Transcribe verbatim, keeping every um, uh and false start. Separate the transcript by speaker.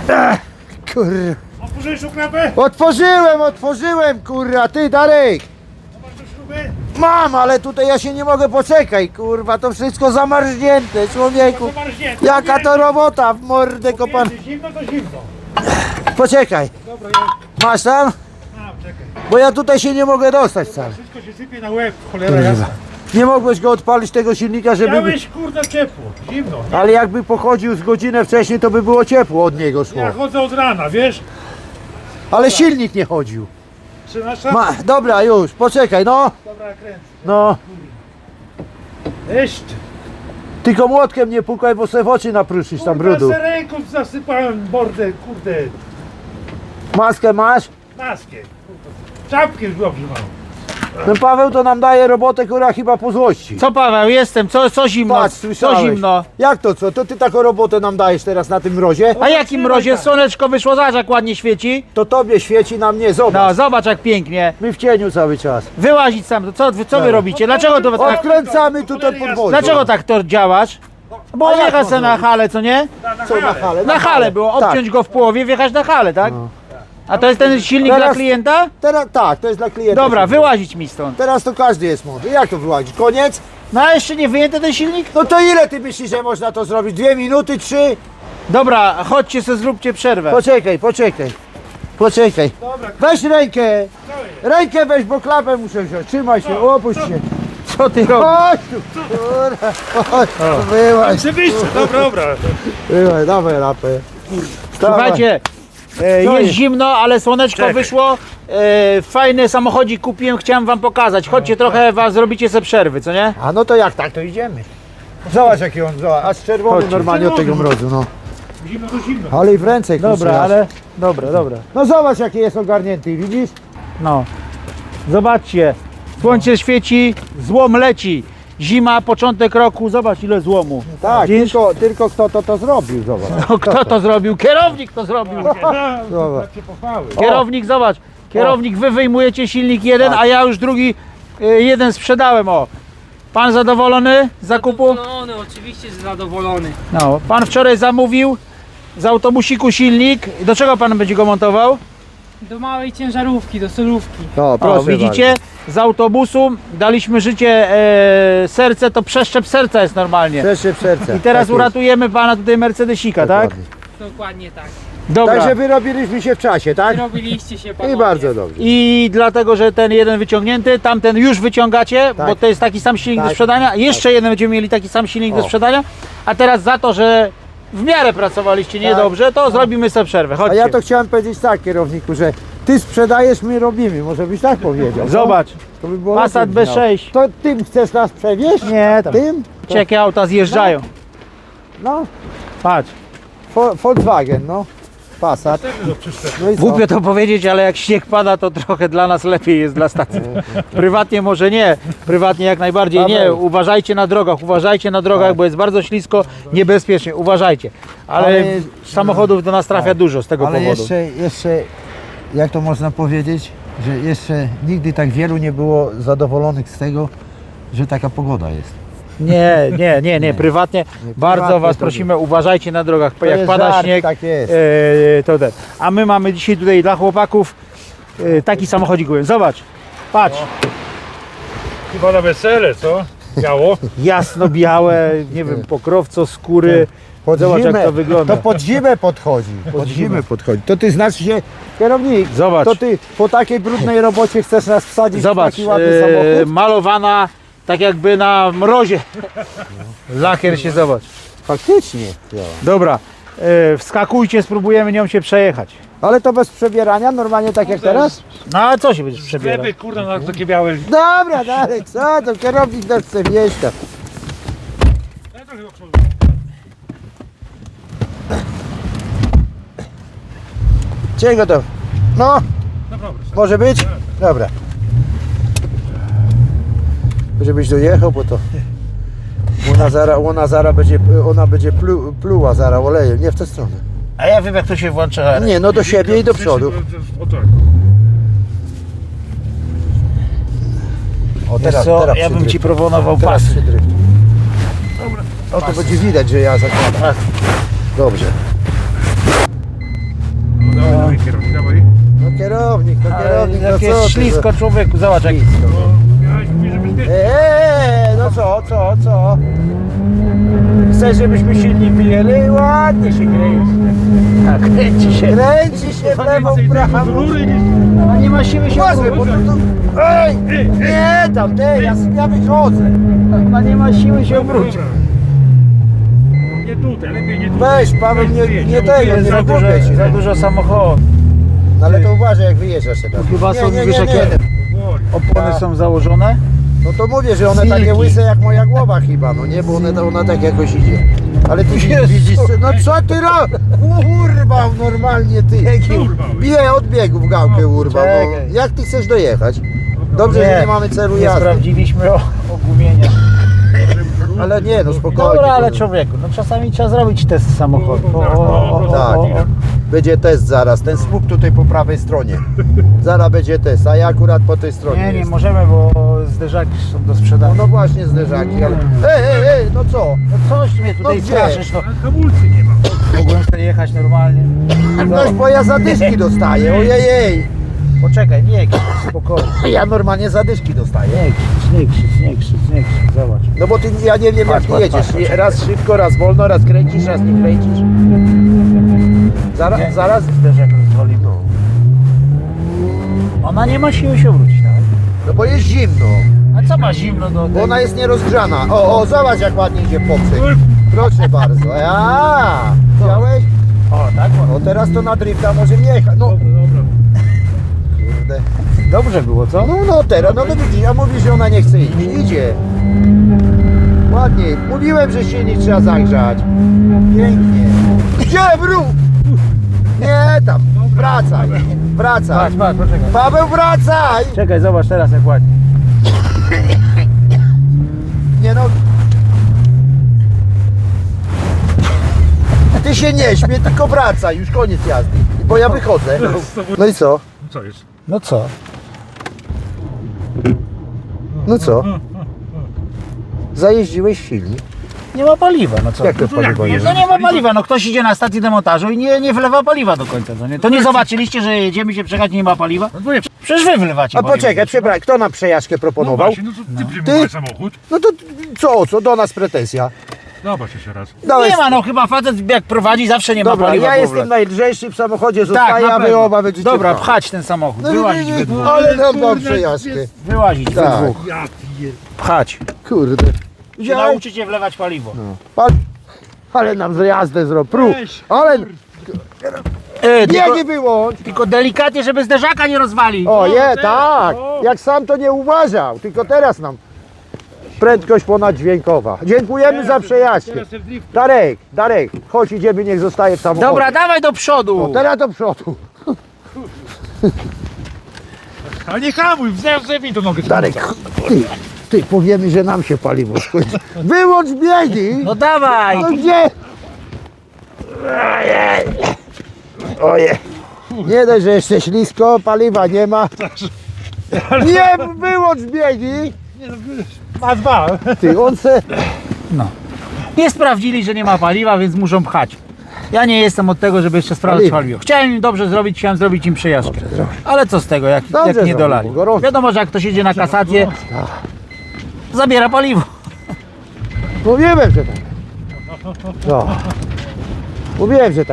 Speaker 1: Ech, kurwa.
Speaker 2: Otworzyłeś szufladę?
Speaker 1: Otworzyłem, otworzyłem, kurwa, ty Darek.
Speaker 2: Masz tu śruby?
Speaker 1: Mam, ale tutaj ja się nie mogę, poczekaj, kurwa, to wszystko zamarznięte, człowieku.
Speaker 2: Zamarznięte.
Speaker 1: Jaka to robota, w mordę kopan.
Speaker 2: Jeśli zimno, to zimno.
Speaker 1: Poczekaj,
Speaker 2: Dobra, ja...
Speaker 1: masz tam?
Speaker 2: A, czekaj.
Speaker 1: Bo ja tutaj się nie mogę dostać sam.
Speaker 2: Wszystko się sypie na łeb, cholera jasna.
Speaker 1: Nie mogłeś go odpalić tego silnika, żeby...
Speaker 2: Miałeś kurde ciepło, zimno.
Speaker 1: Ale jakby pochodził z godzinę wcześniej, to by było ciepło od niego szło.
Speaker 2: Ja chodzę od rana, wiesz?
Speaker 1: Ale silnik nie chodził.
Speaker 2: trzynaście?
Speaker 1: Ma, dobra, już, poczekaj, no.
Speaker 2: Dobra, kręcę.
Speaker 1: No,
Speaker 2: Jeszcze.
Speaker 1: tylko młotkiem nie pukaj, bo sobie w oczy napruszysz tam brudu.
Speaker 2: Kurde, ręką zasypałem bordę, kurde,
Speaker 1: Maskę masz?
Speaker 2: maskę. Kurde. Czapkę już dobrze mam.
Speaker 1: Ten Paweł to nam daje robotę, która chyba po złości.
Speaker 3: Co Paweł, jestem, co, co zimno,
Speaker 1: Patrz,
Speaker 3: co
Speaker 1: słyszałeś.
Speaker 3: zimno.
Speaker 1: Jak to co? To ty taką robotę nam dajesz teraz na tym mrozie?
Speaker 3: A jakim mrozie, słoneczko wyszło, zobacz jak ładnie świeci.
Speaker 1: To tobie świeci, na mnie,
Speaker 3: No,
Speaker 1: zobacz.
Speaker 3: zobacz jak pięknie.
Speaker 1: My w cieniu cały czas.
Speaker 3: Wyłazić sam, to co, wy- co wy robicie? Dlaczego to tak,
Speaker 1: Odkręcamy tutaj podwórko.
Speaker 3: dlaczego tak to działasz? Bo
Speaker 1: A jak
Speaker 3: wjechać
Speaker 1: można
Speaker 3: sobie na halę, co nie?
Speaker 2: Na, na
Speaker 1: Co na
Speaker 2: halę.
Speaker 1: halę?
Speaker 3: Na halę było, obciąć go w połowie, wjechać na halę, tak? A to jest ten silnik
Speaker 1: Teraz-
Speaker 3: dla klienta?
Speaker 1: Teraz tak, to jest dla klienta.
Speaker 3: Dobra, wyłazić mi stąd.
Speaker 1: Teraz to każdy jest mądry. Jak to wyłazić? Koniec?
Speaker 3: No a jeszcze nie wyjęty ten silnik?
Speaker 1: No to ile ty myślisz, że można to zrobić? Dwie minuty, trzy?
Speaker 3: Dobra, chodźcie sobie, zróbcie przerwę.
Speaker 1: Poczekaj, poczekaj. Poczekaj.
Speaker 2: Dobra,
Speaker 1: Weź rękę.
Speaker 2: co jest?
Speaker 1: Rękę weź, bo klapę muszę wziąć. Trzymaj się, opuść się.
Speaker 3: Co ty robisz?
Speaker 1: Chodź tu. Kurwa, chodź. Wyłaź,
Speaker 2: Oczywiście, dobra, dobra.
Speaker 1: wyłaź, dawaj lapę.
Speaker 3: Słuchajcie, e,
Speaker 1: Co
Speaker 3: jest
Speaker 1: jest?
Speaker 3: zimno, ale słoneczko
Speaker 2: Czekaj.
Speaker 3: wyszło. E, fajny samochodzik kupiłem, chciałem wam pokazać. Chodźcie trochę, was zrobicie sobie przerwy, co nie?
Speaker 1: A no to jak tak, to idziemy. Zobacz jaki on, zobacz, aż czerwony
Speaker 3: Chodź.
Speaker 1: normalnie od tego mrozu, no.
Speaker 2: Zimno to zimno.
Speaker 1: Ale i w ręce
Speaker 3: Dobra,
Speaker 1: kurczę, aż.
Speaker 3: ale... Dobra, dobra.
Speaker 1: No zobacz jaki jest ogarnięty, widzisz?
Speaker 3: No. Zobaczcie. Słońce świeci, złom leci. Zima, początek roku, zobacz ile złomu.
Speaker 1: Tak,
Speaker 3: Widzisz?
Speaker 1: tylko, tylko kto to to zrobił, zobacz.
Speaker 3: No, kto to zrobił? Kierownik to zrobił.
Speaker 2: No, tak się pochwały.
Speaker 3: Kierownik, zobacz. Kierownik, wy wyjmujecie silnik jeden, a ja już drugi y, jeden sprzedałem, o. Pan zadowolony z zakupu?
Speaker 4: Zadowolony, oczywiście że zadowolony.
Speaker 3: No, pan wczoraj zamówił z autobusiku silnik. Do czego pan będzie go montował?
Speaker 4: Do małej ciężarówki, do solówki.
Speaker 1: No, proszę
Speaker 3: O, widzicie? Z autobusu daliśmy życie e, serce, to przeszczep serca jest normalnie.
Speaker 1: Przeszczep serca.
Speaker 3: I teraz
Speaker 1: Tak jest.
Speaker 3: uratujemy pana tutaj Mercedesika, tak?
Speaker 1: Dokładnie.
Speaker 4: Dokładnie tak.
Speaker 3: Dobra.
Speaker 1: Także wyrobiliśmy się w czasie, tak?
Speaker 4: Robiliście się panowie.
Speaker 1: I bardzo dobrze.
Speaker 3: I dlatego, że ten jeden wyciągnięty, tamten już wyciągacie,
Speaker 1: Tak.
Speaker 3: bo to jest taki sam silnik
Speaker 1: Tak.
Speaker 3: do sprzedania. Jeszcze jeden będziemy mieli taki sam silnik
Speaker 1: O.
Speaker 3: do sprzedania. A teraz za to, że w miarę pracowaliście niedobrze, to zrobimy sobie przerwę.
Speaker 1: A
Speaker 3: Chodźcie.
Speaker 1: ja to chciałem powiedzieć tak, kierowniku, że ty sprzedajesz, my robimy. Może byś tak powiedział.
Speaker 3: Zobacz.
Speaker 1: To by było
Speaker 3: Passat
Speaker 1: lepiej
Speaker 3: B
Speaker 1: brzmiało.
Speaker 3: sześć.
Speaker 1: To tym chcesz nas przewieźć?
Speaker 3: Nie, tam.
Speaker 1: Tym? To,
Speaker 3: Jakie auta zjeżdżają.
Speaker 1: no,
Speaker 3: Patrz.
Speaker 1: Vo- Volkswagen, no. Passat. No i co?
Speaker 3: Głupio to powiedzieć, ale jak śnieg pada, to trochę dla nas lepiej jest dla stacji. Prywatnie może nie, prywatnie jak najbardziej nie.
Speaker 1: Paweł.
Speaker 3: Uważajcie na drogach, uważajcie na drogach, bo jest bardzo ślisko, niebezpiecznie, uważajcie. Ale,
Speaker 1: Ale-
Speaker 3: samochodów do nas trafia dużo z tego
Speaker 1: Ale
Speaker 3: powodu.
Speaker 1: jeszcze, jeszcze, jak to można powiedzieć, że jeszcze nigdy tak wielu nie było zadowolonych z tego, że taka pogoda jest.
Speaker 3: Nie, nie, nie, nie, prywatnie bardzo
Speaker 1: prywatnie
Speaker 3: was
Speaker 1: to
Speaker 3: prosimy, uważajcie na drogach,
Speaker 1: To
Speaker 3: jak
Speaker 1: jest
Speaker 3: pada
Speaker 1: żart,
Speaker 3: śnieg,
Speaker 1: tak jest.
Speaker 3: e, to ten. A my mamy dzisiaj tutaj dla chłopaków e, taki samochodzik, zobacz, patrz.
Speaker 2: Chyba na wesele, co? Biało.
Speaker 3: Jasno-białe, nie wiem, pokrowco, skóry.
Speaker 1: Pod
Speaker 3: Zobacz
Speaker 1: zimę,
Speaker 3: jak to wygląda.
Speaker 1: To pod zimę podchodzi. Pod zimę podchodzi. To ty znaczy się, kierownik,
Speaker 3: Zobacz.
Speaker 1: to ty po takiej brudnej robocie chcesz nas wsadzić
Speaker 3: Zobacz,
Speaker 1: w taki ładny
Speaker 3: e,
Speaker 1: samochód?
Speaker 3: malowana tak jakby na mrozie. Lakier się zobacz.
Speaker 1: Faktycznie.
Speaker 3: Dobra, e, wskakujcie, spróbujemy nią się przejechać.
Speaker 1: Ale to bez przebierania, normalnie tak jak teraz?
Speaker 3: No a co się będziesz przebierał?
Speaker 2: Gleby, kurde, na takie białe.
Speaker 1: Dobra, dalej, co to kierownik nas chce wieść tam.
Speaker 2: Ja trochę do przodu.
Speaker 1: Czego to? No,
Speaker 2: No dobra.
Speaker 1: może być? Dobra. Żebyś dojechał, bo to ona zara, ona zara będzie, ona będzie plu, pluła zara olejem, nie w tę stronę.
Speaker 3: A ja wiem jak to się włącza.
Speaker 1: Nie, no do siebie i do przodu.
Speaker 2: O tak.
Speaker 1: O,
Speaker 3: Wiesz co, ja bym
Speaker 1: przydryf.
Speaker 3: ci proponował
Speaker 1: Teraz
Speaker 3: pasy.
Speaker 1: przydryf. O, to będzie widać, że ja zakładam. Dobrze.
Speaker 2: dawaj.
Speaker 1: No kierownik, no
Speaker 3: Ale
Speaker 1: kierownik, no
Speaker 3: jak
Speaker 1: co
Speaker 3: jest
Speaker 1: ty,
Speaker 3: ślisko człowieku, zobacz jak...
Speaker 2: No, miałeś mówić, że bezpiecznie.
Speaker 1: Eee, no co, co, co? Chcesz, żebyśmy silnik wyjęli? Ładnie się kręci.
Speaker 3: Tak, kręci się.
Speaker 1: Kręci się w lewo, w prawo.
Speaker 2: Rury niż...
Speaker 3: No nie ma siły się
Speaker 1: Uważaj, bo
Speaker 3: obrócić.
Speaker 1: to, to... Ej! Nie tam, ty, ja, ja wychodzę.
Speaker 3: Ona nie ma siły się obrócić.
Speaker 2: Dobra. Nie tutaj, lepiej nie tutaj.
Speaker 1: Weź, Paweł, nie,
Speaker 2: Weź,
Speaker 1: nie
Speaker 2: bo
Speaker 1: tego,
Speaker 2: jest
Speaker 1: nie
Speaker 3: Za dużo,
Speaker 1: robię ci.
Speaker 3: za dużo samochodów.
Speaker 1: No ale to uważaj, jak wyjeżdżasz teraz.
Speaker 3: Chyba są,
Speaker 1: nie, nie,
Speaker 3: wiesz,
Speaker 1: nie,
Speaker 3: jakie-
Speaker 1: nie.
Speaker 2: Powoli.
Speaker 3: Opony
Speaker 1: Ja.
Speaker 3: są założone.
Speaker 1: No to mówię, że one
Speaker 3: Silki.
Speaker 1: takie łyse jak moja głowa chyba, no nie, bo one, ona tak jakoś idzie. Ale ty
Speaker 3: Jezu.
Speaker 1: widzisz, no co ty ro... Urwał normalnie ty.
Speaker 2: Urwał.
Speaker 1: Bije od biegów gałkę urwał. No,
Speaker 3: czekaj.
Speaker 1: jak ty chcesz dojechać? Dobrze, że nie mamy celu
Speaker 3: Nie
Speaker 1: jazdy.
Speaker 3: sprawdziliśmy o, ogumienia.
Speaker 1: Ale nie, no spokojnie.
Speaker 3: Dobra, ale człowieku, no czasami trzeba zrobić test samochodu. O, o, o, o,
Speaker 1: Tak.
Speaker 3: o, o.
Speaker 1: Będzie test zaraz, ten słup tutaj po prawej stronie. Zaraz będzie test, a ja akurat po tej stronie
Speaker 3: Nie, nie
Speaker 1: jest.
Speaker 3: możemy, bo zderzaki są do
Speaker 1: No,
Speaker 3: sprzedania.
Speaker 1: no właśnie zderzaki, ale... Ej, ej, ej, no co?
Speaker 3: No coś mnie tutaj
Speaker 1: No gdzie?
Speaker 3: straszysz, no.
Speaker 2: Ale hamulcy nie ma.
Speaker 3: Mogłem sobie jechać normalnie.
Speaker 1: Noś, bo ja zadyszki dostaję, ojej, ej.
Speaker 3: Poczekaj, nie krzycz, spokojnie.
Speaker 1: Ja normalnie zadyszki dostaję.
Speaker 3: Nie krzycz, nie krzycz, nie krzycz, nie krzycz, zobacz.
Speaker 1: No bo ty, ja nie wiem jak
Speaker 3: Patrz,
Speaker 1: ty
Speaker 3: patrz,
Speaker 1: jedziesz.
Speaker 3: patrz, patrz.
Speaker 1: Raz szybko, raz wolno, raz kręcisz, raz nie kręcisz. Zaraz,
Speaker 3: Nie,
Speaker 1: zaraz.
Speaker 3: zderzak rozwalimy.
Speaker 1: No.
Speaker 3: Ona nie ma siły się obrócić, tak?
Speaker 1: No bo jest zimno,
Speaker 3: A co ma zimno do
Speaker 1: bo ona jest nierozgrzana. O, o, zobacz jak ładnie idzie poprzek. Proszę bardzo. A, widziałeś?
Speaker 3: O, tak?
Speaker 1: No teraz to na drifta może jechać. No,
Speaker 2: Dobra, dobra.
Speaker 1: kurde.
Speaker 3: Dobrze było, co?
Speaker 1: No, no teraz, no to widzisz, a mówisz, że ona nie chce iść. Idzie. Ładnie. Mówiłem, że silnik trzeba zagrzać. Pięknie. Gdzie wróg? Nie tam. Wracaj. Wracaj.
Speaker 3: Patrz, patrz, poczekaj.
Speaker 1: Paweł, wracaj!
Speaker 3: Czekaj, zobacz teraz jak ładnie.
Speaker 1: Nie no. Ty się nie śmiej, tylko wracaj. Już koniec jazdy. Bo ja wychodzę. No i co?
Speaker 2: Co jest?
Speaker 3: No co?
Speaker 1: No co? Zajeździłeś silnik.
Speaker 3: Nie ma paliwa, no co?
Speaker 1: Jak to
Speaker 2: No to jak
Speaker 1: paliwo jest?
Speaker 3: No nie ma paliwa, no ktoś idzie na stację demontażu i nie, nie wlewa paliwa do końca, co nie? To nie zobaczyliście, że jedziemy się przejechać i nie ma paliwa?
Speaker 2: No bo nie.
Speaker 3: Przecież wy wlewacie
Speaker 1: A
Speaker 3: paliwo.
Speaker 1: poczekaj, przepraszam, kto nam przejażdżkę
Speaker 2: No
Speaker 1: proponował?
Speaker 2: właśnie, no to ty przyjmowałeś samochód.
Speaker 1: No to co, co do nas pretensja?
Speaker 2: Zobacz jeszcze raz.
Speaker 1: Dałeś...
Speaker 3: Nie ma, no chyba facet jak prowadzi zawsze nie ma
Speaker 1: Dobra,
Speaker 3: paliwa.
Speaker 1: ja
Speaker 3: w
Speaker 1: jestem
Speaker 3: ogóle.
Speaker 1: najlżejszy w samochodzie,
Speaker 3: Tak,
Speaker 1: zostaję,
Speaker 3: na
Speaker 1: a wy
Speaker 3: pewno.
Speaker 1: oba będziecie
Speaker 3: Dobra,
Speaker 1: pchać.
Speaker 3: pchać ten samochód,
Speaker 1: No,
Speaker 3: wyłazić
Speaker 1: nie,
Speaker 3: we
Speaker 1: nie,
Speaker 3: dwóch.
Speaker 1: ale nam dam
Speaker 2: Kurde,
Speaker 1: przejażdżkę.
Speaker 2: jest-
Speaker 3: Wyłazić we
Speaker 1: Tak.
Speaker 3: dwóch.
Speaker 2: Ja piję.
Speaker 3: Pchać.
Speaker 1: Kurde.
Speaker 3: Się
Speaker 1: Widziałeś?
Speaker 3: nauczycie wlewać paliwo.
Speaker 1: Pan... Ale nam zjazdę zrobił. Pru.
Speaker 2: Weź,
Speaker 1: Ale
Speaker 3: E, tylko,
Speaker 1: biegi wyłącz.
Speaker 3: tylko delikatnie, żeby zderzaka nie rozwalić.
Speaker 1: O je,
Speaker 2: teraz,
Speaker 1: tak.
Speaker 2: o.
Speaker 1: Jak sam to nie uważał. Tylko teraz nam prędkość ponaddźwiękowa. Dziękujemy za przejażdżkę.
Speaker 2: Teraz ten drift.
Speaker 1: Darek, Darek, chodź idziemy, niech zostaje w samochodzie.
Speaker 3: Dobra, dawaj do przodu.
Speaker 1: O, teraz do przodu.
Speaker 2: Ale nie hamuj, zerwij to nogę.
Speaker 1: Darek, ty, ty powiemy, że nam się paliwo skończy. Wyłącz biegi.
Speaker 3: No dawaj.
Speaker 1: No gdzie? Ojej. Ojej. Nie dość, że jeszcze ślisko, paliwa nie ma. Nie, wyłącz biegi.
Speaker 2: Ma dwa.
Speaker 1: Ty, on se...
Speaker 3: No. Nie sprawdzili, że nie ma paliwa, więc muszą pchać. Ja nie jestem od tego, żeby jeszcze sprawdzać
Speaker 1: Paliwo.
Speaker 3: paliwo. Chciałem im dobrze zrobić, chciałem zrobić im przejażdżkę. Ale co z tego, jak,
Speaker 1: Dobrze
Speaker 3: jak nie
Speaker 1: zrobił,
Speaker 3: dolali.
Speaker 1: bo gorąco.
Speaker 3: Wiadomo, że jak ktoś jedzie na kasację, zabiera paliwo.
Speaker 1: Mówiłem, że tak. No. Mówiłem, że tak.